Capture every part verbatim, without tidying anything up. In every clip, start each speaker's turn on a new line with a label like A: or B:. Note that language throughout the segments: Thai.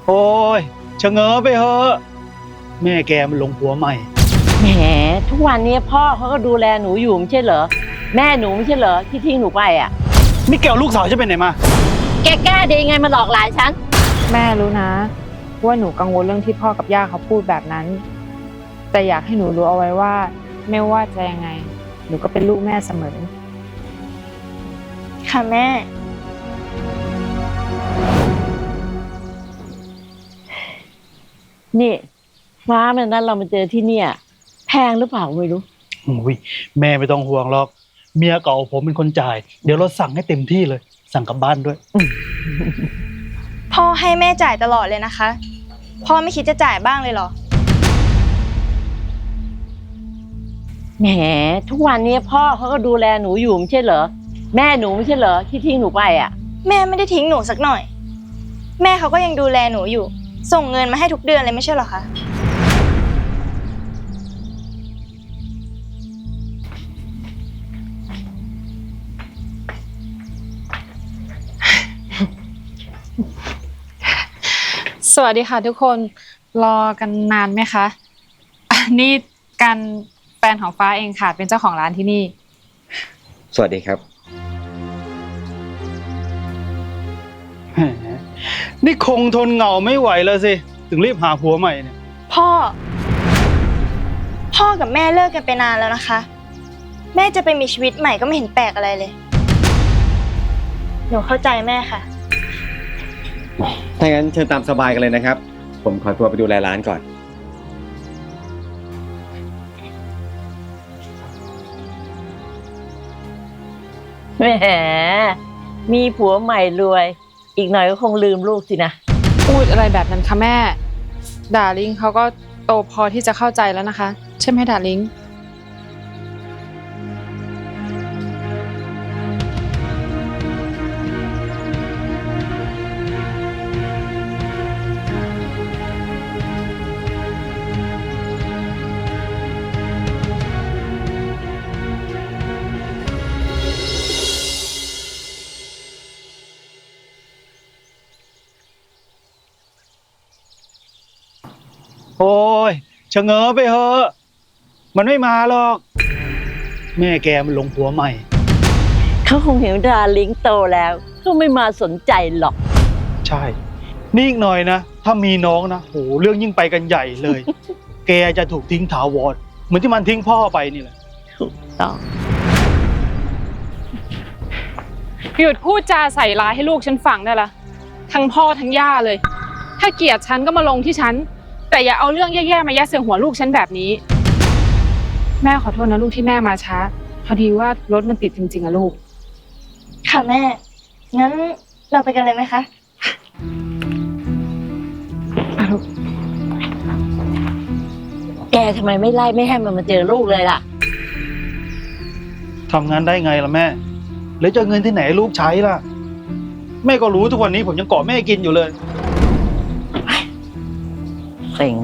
A: โอ้ยชะเง้อไปเถอะแม่แกมันหลงผัวใหม่
B: แหมทุกวันนี้พ่อเขาก็ดูแลหนูอยู่ไม่ใช่เหรอแม่หนูไม่ใช่เหรอที่ทิ้งหนูไปอ่ะ
A: นี่แกเอาลูกสาวฉันไปไหนมา
B: แกกล้าได้ยังไงมาหลอกหลานฉัน
C: แม่รู้นะว่าหนูกังวลเรื่องที่พ่อกับย่าเขาพูดแบบนั้นแต่อยากให้หนูรู้เอาไว้ว่าไม่ว่าจะยังไงหนูก็เป็นลูกแม่เสมอ
D: ค่ะแม่
B: นี่ฟ้ามันนั้นเรามาเจอที่เนี่ยแพงหรือเปล่าไม่รู้
A: โอ้ยแม่ไม่ต้องห่วงหรอกเมียเก่าผมเป็นคนจ่ายเดี๋ยวเราสั่งให้เต็มที่เลยสั่งกลับบ้านด้วย
D: พ่อให้แม่จ่ายตลอดเลยนะคะพ่อไม่คิดจะจ่ายบ้างเลยเหรอ
B: แหมทุกวันนี้พ่อเขาก็ดูแลหนูอยู่ไม่ใช่เหรอแม่หนูไม่ใช่เหรอที่ทิ้งหนูไปอ่ะ
D: แม่ไม่ได้ทิ้งหนูสักหน่อยแม่เขาก็ยังดูแลหนูอยู่ส่งเงินมาให้ทุกเดือนเลยไม่ใช่เหรอคะ
C: สวัสดีค่ะทุกคนรอกันนานไหมคะนี่กันแฟนของฟ้าเองค่ะเป็นเจ้าของร้านที่นี่
E: สวัสดีครับ
A: นี่คงทนเหงาไม่ไหวแล้วสิถึงรีบหาผัวใหม่เนี่ย
D: พ่อพ่อกับแม่เลิกกันไปนานแล้วนะคะแม่จะไปมีชีวิตใหม่ก็ไม่เห็นแปลกอะไรเลยหนูเข้าใจแม่ค่ะ
E: ถ้างั้นเชิญตามสบายกันเลยนะครับผมขอตัวไปดูแลร้านก่อน
B: แหมมีผัวใหม่รวยอีกหน่อยก็คงลืมลูกสินะ
C: พูดอะไรแบบนั้นคะแม่ดาริงเขาก็โตพอที่จะเข้าใจแล้วนะคะใช่ไหมดาริง
A: โอ้ยชะเง้อไปเถอะมันไม่มาหรอกแม่แกมันหลงผัวใหม่
B: เขาคงเห็นดาลิงโตแล้วเขาไม่มาสนใจหรอก
A: ใช่นี่อีกหน่อยนะถ้ามีน้องนะโหเรื่องยิ่งไปกันใหญ่เลย แกจะถูกทิ้งถาวรเหมือนที่มันทิ้งพ่อไปนี่แหละ
B: ถูกต้อง
C: หยุดพูดจาใส่ร้ายให้ลูกฉันฟังได้ละทั้งพ่อทั้งย่าเลยถ้าเกลียดฉันก็มาลงที่ฉันแต่อย่าเอาเรื่องแย่ๆมายัดเสียงหัวลูกฉันแบบนี้แม่ขอโทษนะลูกที่แม่มาช้าพอดีว่ารถมันติดจริงๆอะลูก
D: ค่ะแม่งั้นเราไปกันเลยไหมคะ
B: แกทำไมไม่ไล่ไม่ให้มันมาเจอลูกเลยล่ะ
A: ทำงานได้ไงล่ะแม่แล้วจะเงินที่ไหนลูกใช้ล่ะแม่ก็รู้ทุกวันนี้ผมยังเกาะแม่กินอยู่เลย
B: เซ็ง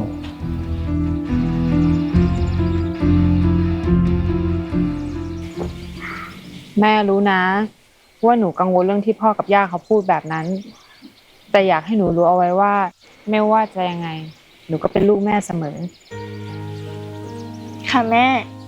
C: แม่รู้นะว่าหนูกังวลเรื่องที่พ่อกับย่าเขาพูดแบบนั้นแต่อยากให้หนูรู้เอาไว้ว่าไม่ว่าจะยังไงหนูก็เป็นลูกแม่เสมอ
D: ค่ะแม่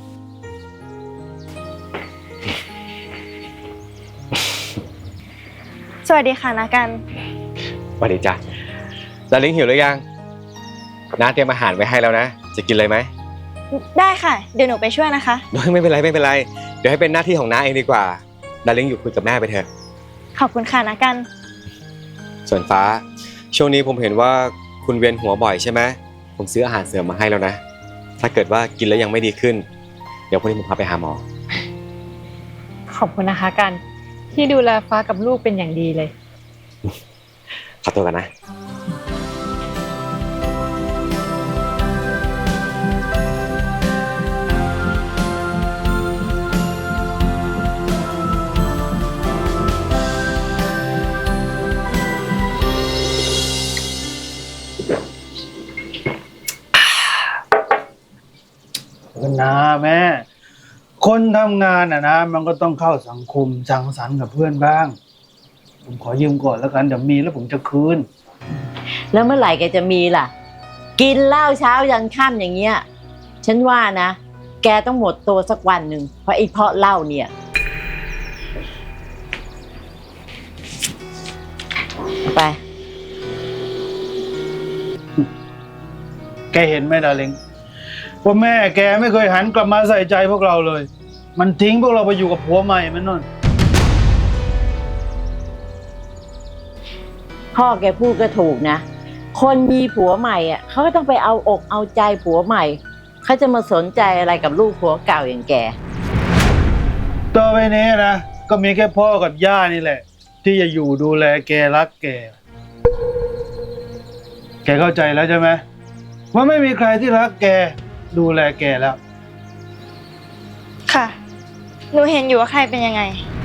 D: สวัสดีค่ะนากัน
E: สวัสดีจ้ะดาริงหิวหรือยังน้าเตรียมอาหารไว้ให้แล้วนะจะกินเลยไหม
D: ได้ค่ะเดี๋ยวหนูไปช่วยนะคะ
E: ไม่เป็นไรไม่เป็นไรเดี๋ยวให้เป็นหน้าที่ของน้าเองดีกว่าดาริงอยู่คุยกับแม่ไปเถอะ
D: ขอบคุณค่ะนากัน
E: ส่วนฟ้าช่วงนี้ผมเห็นว่าคุณเวียนหัวบ่อยใช่ไหมผมซื้ออาหารเสริมมาให้แล้วนะถ้าเกิดว่ากินแล้วยังไม่ดีขึ้นเดี๋ยวพรุ่งนี้ผมพาไปหาหมอ
C: ขอบคุณนะคะกันที่ดูแลฟ้ากับลูกเป็นอย่างดีเลย
E: ขอตัวกันนะ
A: นะแม่คนทำงานอ่ะนะมันก็ต้องเข้าสังคมสังสรรค์กับเพื่อนบ้างผมขอยืมก่อนแล้วกันเดี๋ยวมีแล้วผมจะคืน
B: แล้วเมื่อไหร่แกจะมีล่ะ กินเหล้าเช้ายันค่ำอย่างเงี้ยฉันว่านะแกต้องหมดตัวสักวันหนึ่งเพราะไอ้เพราะเหล้าเนี่ยไป
A: แกเห็นไหมดาริงว่าแม่แกไม่เคยหันกลับมาใส่ใจพวกเราเลย มันทิ้งพวกเราไปอยู่กับผัวใหม่มันนั่น
B: พ่อแกพูดก็ถูกนะ คนมีผัวใหม่อ่ะเขาก็ต้องไปเอาอกเอาใจผัวใหม่เขาจะมาสนใจอะไรกับลูกผัวเก่าอย่างแก
A: ต่อไปนี้นะก็มีแค่พ่อกับย่านี่แหละ ที่จะอยู่ดูแลแกรักแก แกเข้าใจแล้วใช่ไหมว่าไม่มีใครที่รักแกดูแลแกแล้ว
D: ค่ะ หนูเห็นอยู่ว่าใครเป็นยังไง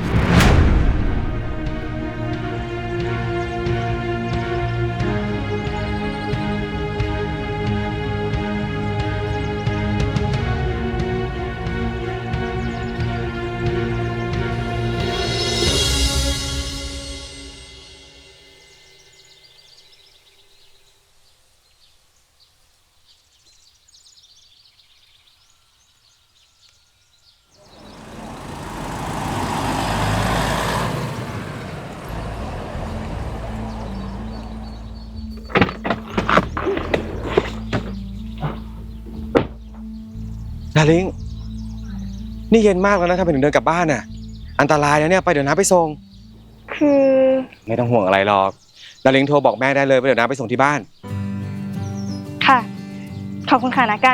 E: ดาริงนี่เย็นมากแล้วนะทำไมถึงเดินกลับบ้านน่ะอันตรายนะเนี่ยไปเดี๋ยวน้าไปส่ง
D: คือ
E: ไม่ต้องห่วงอะไรหรอกดาริงโทรบอกแม่ได้เลยว่าเดี๋ยวน้าไปส่งที่บ้าน
D: ค่ะ ขอบคุณค่ะนะกัน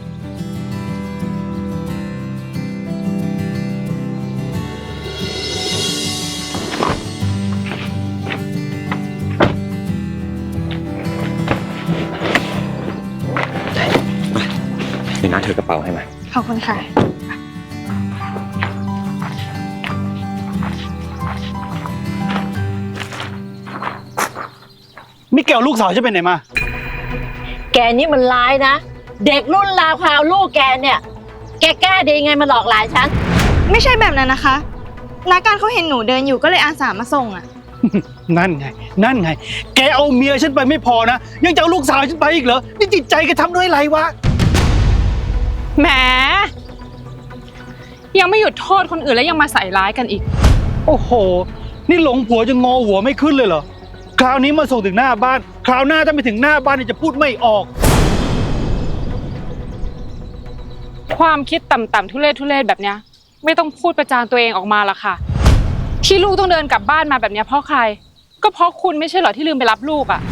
E: เดี๋ยวน้าถือกระเป๋าให้มา
D: ขอบคุณค่ะ
A: มิเกลลูกสาวจะไปไหนมา
B: แกนี่มันร้ายนะเด็กรุ่นราวคราวลูกแกเนี่ยแกกล้าดีไงมาหลอกหลานฉัน
D: ไม่ใช่แบบนั้นนะคะนาการเขาเห็นหนูเดินอยู่ก็เลยอาสามาส่งอะ
A: นั่นไง นั่นไง แกเอาเมียฉันไปไม่พอนะ ยังจะเอาลูกสาวฉันไปอีกเหรอ นี่จิตใจแกทำด้วยอะไรวะ
C: แหมยังไม่หยุดโทษคนอื่นแล้วยังมาใส่ร้ายกันอีก
A: โอ้โห นี่หลงผัวจนงอหัวไม่ขึ้นเลยเหรอ คราวนี้มาส่งถึงหน้าบ้าน คราวหน้าถ้าไปถึงหน้าบ้านนี่จะพูดไม่ออก
C: ความคิดต่ำๆทุเรศทุเรศแบบเนี้ยไม่ต้องพูดประจานตัวเองออกมาละค่ะ ที่ลูกต้องเดินกลับบ้านมาแบบเนี้ยเพราะใคร ก็เพราะคุณไม่ใช่เหรอที่ลืมไปรับลูกอะ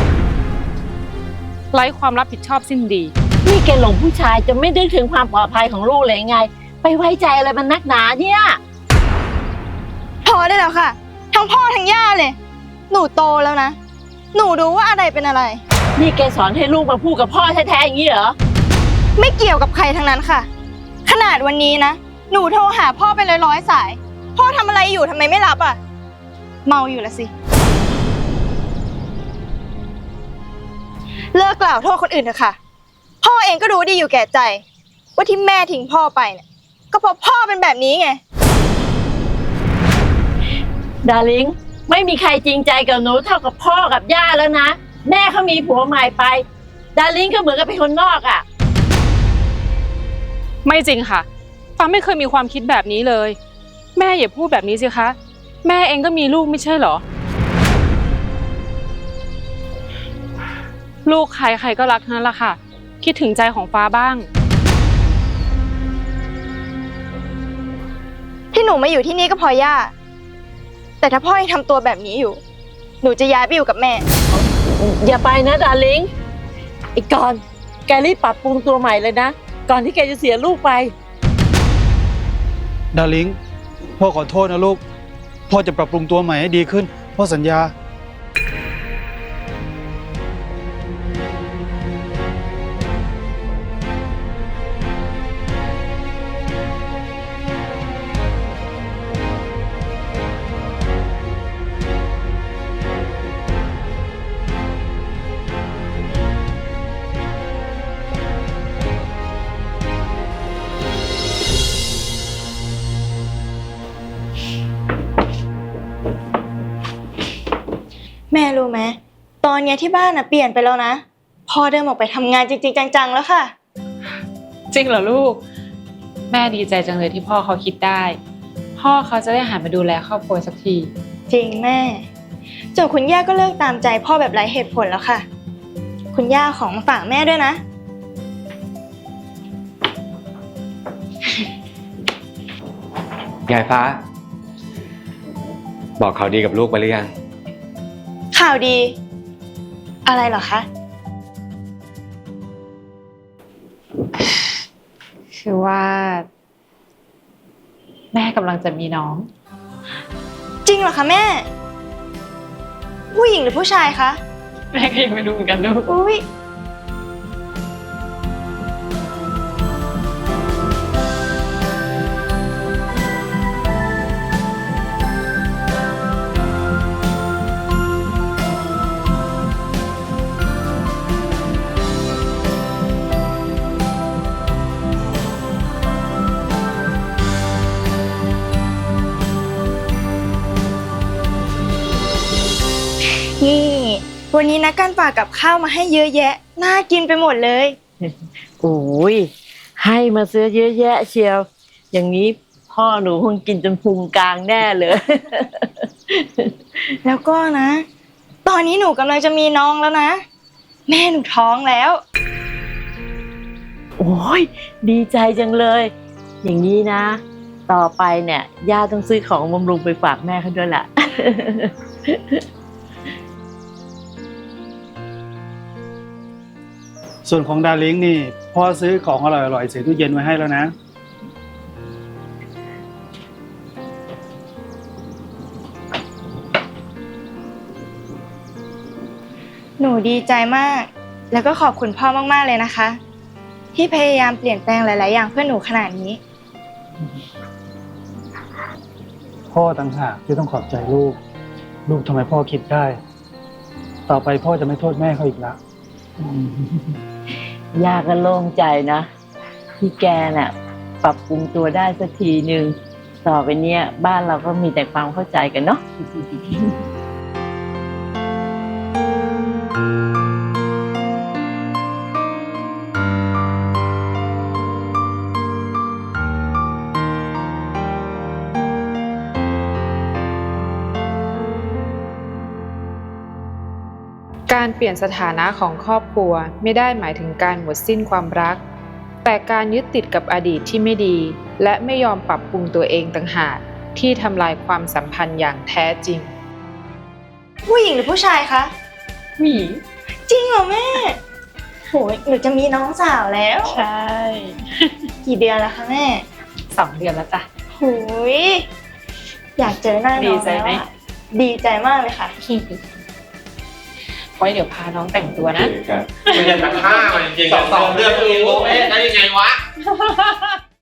C: ไร้ความรับผิดชอบสิ้นดี
B: นี่แกหลงผู้ชายจะไม่นึกถึงความปลอดภัยของลูกเลยไง ไปไว้ใจอะไรมันนักหนาเนี่ย
D: พอได้แล้วค่ะ ทั้งพ่อทั้งย่าเลย หนูโตแล้วนะ หนูรู้ว่าอะไรเป็นอะไร
B: นี่แกสอนให้ลูกมาพูดกับพ่อแท้ๆอย่างนี้เหรอ
D: ไม่เกี่ยวกับใครทั้งนั้นค่ะ ขนาดวันนี้นะ หนูโทรหาพ่อเป็นร้อยๆสาย พ่อทำอะไรอยู่ทำไมไม่รับอ่ะ เมาอยู่ละสิ เลิกกล่าวโทษคนอื่นเถอะค่ะ พ่อเองก็รู้ดีอยู่แก่ใจ ว่าที่แม่ทิ้งพ่อไปเนี่ยก็เพราะพ่อเป็นแบบนี้ไง
B: ดาริงไม่มีใครจริงใจกับหนูเท่ากับพ่อกับย่าแล้วนะ แม่เขามีผัวใหม่ไป ดาริงก็เหมือนกับเป็นคนนอกอ่ะ
C: ไม่จริงค่ะฟ้าไม่เคยมีความคิดแบบนี้เลย แม่อย่าพูดแบบนี้สิคะแม่เองก็มีลูกไม่ใช่เหรอ ลูกใครใครก็รักทั้งนั้นแหละค่ะ คิดถึงใจของฟ้าบ้าง
D: ที่หนูมาอยู่ที่นี่ก็เพอย่า แต่ถ้าพ่อยังทำตัวแบบนี้อยู่ หนูจะย้ายไปอยู่กับแม่
B: อย่าไปนะดาริงไอ้กอนแกรีบปรับปรุงตัวใหม่เลยนะ ก่อนที่แกจะเสียลูกไป
A: ดาริงพ่อขอโทษนะลูก พ่อจะปรับปรุงตัวใหม่ให้ดีขึ้น พ่อสัญญา
D: เนี้ยที่บ้านน่ะเปลี่ยนไปแล้วนะพ่อเดินออกไปทำงานจริงๆจังๆแล้วค่ะ
C: จริงเหรอลูก แม่ดีใจจังเลยที่พ่อเขาคิดได้ พ่อเขาจะได้หันมาดูแลครอบครัวสักที
D: จริงแม่จนคุณย่าก็เลิกตามใจพ่อแบบไร้เหตุผลแล้วค่ะ คุณย่าของมาฝากแม่ด้วยนะ
E: ยายฟ้า บอกเขาวดีกับลูกไปหรือยัง
D: ข่าวดี อะไรเหรอคะ
C: คือว่า แม่กำลังจะมีน้อง
D: จริงเหรอคะแม่ ผู้หญิงหรือผู้ชายคะ
C: แม่ก็ยังไม่รู้เหมือนกันลูก
D: อุ้ยนี่วันนี้นักการฝากกับข้าวมาให้เยอะแยะน่ากินไปหมดเลย
B: โอ้ยให้มาซื้อเยอะแยะเชียว อย่างนี้พ่อหนูคงกินจนพุงกลางแน่เลย
D: แล้วก็นะ ตอนนี้หนูกำลังจะมีน้องแล้วนะ แม่หนูท้องแล้ว
B: โอ้ยดีใจจังเลย อย่างนี้นะ ต่อไปเนี่ยย่าต้องซื้อของบำรุงไปฝากแม่เขาด้วยล่ะ
A: ส่วนของดาริงนี่พ่อซื้อของอร่อยๆใส่ตู้เย็นไว้ให้แล้วนะ
D: หนูดีใจมาก แล้วก็ขอบคุณพ่อมากๆเลยนะคะ ที่พยายามเปลี่ยนแปลงหลายๆอย่างเพื่อหนูขนาดนี้
A: พ่อต่างหากที่ต้องขอบใจลูก ลูกทำไมพ่อคิดได้ ต่อไปพ่อจะไม่โทษแม่เขาอีกละ
B: ย่าก็โล่งใจนะที่แกน่ะปรับปรุงตัวได้สักทีหนึ่งต่อไปเนี้ยบ้านเราก็มีแต่ความเข้าใจกันเนาะ
C: การเปลี่ยนสถานะของครอบครัวไม่ได้หมายถึงการหมดสิ้นความรัก แต่การยึดติดกับอดีตที่ไม่ดี และไม่ยอมปรับปรุงตัวเองต่างหากที่ทำลายความสัมพันธ์อย่างแท้จริง
D: ผู้หญิงหรือผู้ชายคะ
C: หวี
D: จริงเหรอแม่โหยหนูจะมีน้องสาวแล้ว
C: ใช่
D: กี่เดือนแล้วคะแม่
C: สองเดือนแล้วจ้ะ
D: โหยอยากเจอหน้าน้อง
C: ดีใจไหม
D: แล้วอะดีใจมากเลยค่ะ
C: ไว้เดี๋ยวพาน้องแต่งตัวนะ
F: ไม่ใช่ตัดผ้ามันจริงๆสองสองเดือนเองโอ้ยได้ยังไงวะ